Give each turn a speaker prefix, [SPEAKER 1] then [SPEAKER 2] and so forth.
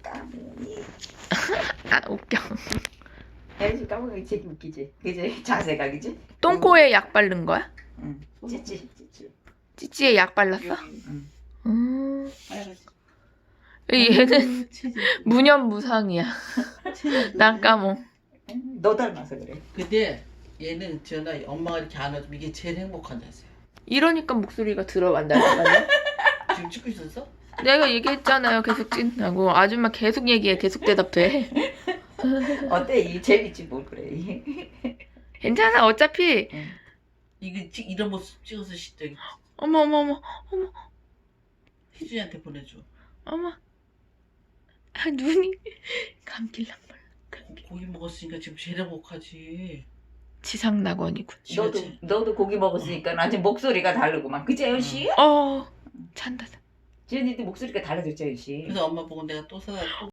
[SPEAKER 1] 까무니.
[SPEAKER 2] 아 웃겨.
[SPEAKER 1] 애지 까무니 되게 웃기지. 그지? 자세가 그지?
[SPEAKER 2] 똥꼬에 약 바른 거야?
[SPEAKER 1] 응. 찌찌.
[SPEAKER 2] 찌찌에 약 발랐어?
[SPEAKER 1] 응.
[SPEAKER 3] 빨간색.
[SPEAKER 2] 얘는 무념무상이야. 난 까몽.
[SPEAKER 1] 너 닮아서 그래.
[SPEAKER 3] 근데 얘는 전화 엄마가 이렇게 안아주면 이게 제일 행복한 자세야.
[SPEAKER 2] 이러니까 목소리가 들어간다니까요.
[SPEAKER 3] 지금 찍고 있었어?
[SPEAKER 2] 내가 얘기했잖아요. 계속 찐다고. 아줌마 계속 얘기해. 계속 대답해.
[SPEAKER 1] 어때? 이 재밌지 뭘 그래.
[SPEAKER 2] 괜찮아. 어차피
[SPEAKER 3] 이거 이런 모습 찍어서 저기
[SPEAKER 2] 어머
[SPEAKER 3] 희준이한테 보내줘.
[SPEAKER 2] 어머. 아, 눈이 감길랑 말랑.
[SPEAKER 3] 고기 먹었으니까 지금 제일 행복하지.
[SPEAKER 2] 지상낙원이군.
[SPEAKER 1] 너도 고기 먹었으니까 아직 목소리가 다르구만. 그치 아저씨?
[SPEAKER 2] 찬다.
[SPEAKER 1] 지은이도 목소리가 달라졌지 아저씨.
[SPEAKER 3] 그래서 엄마 보고 내가 또 사다 또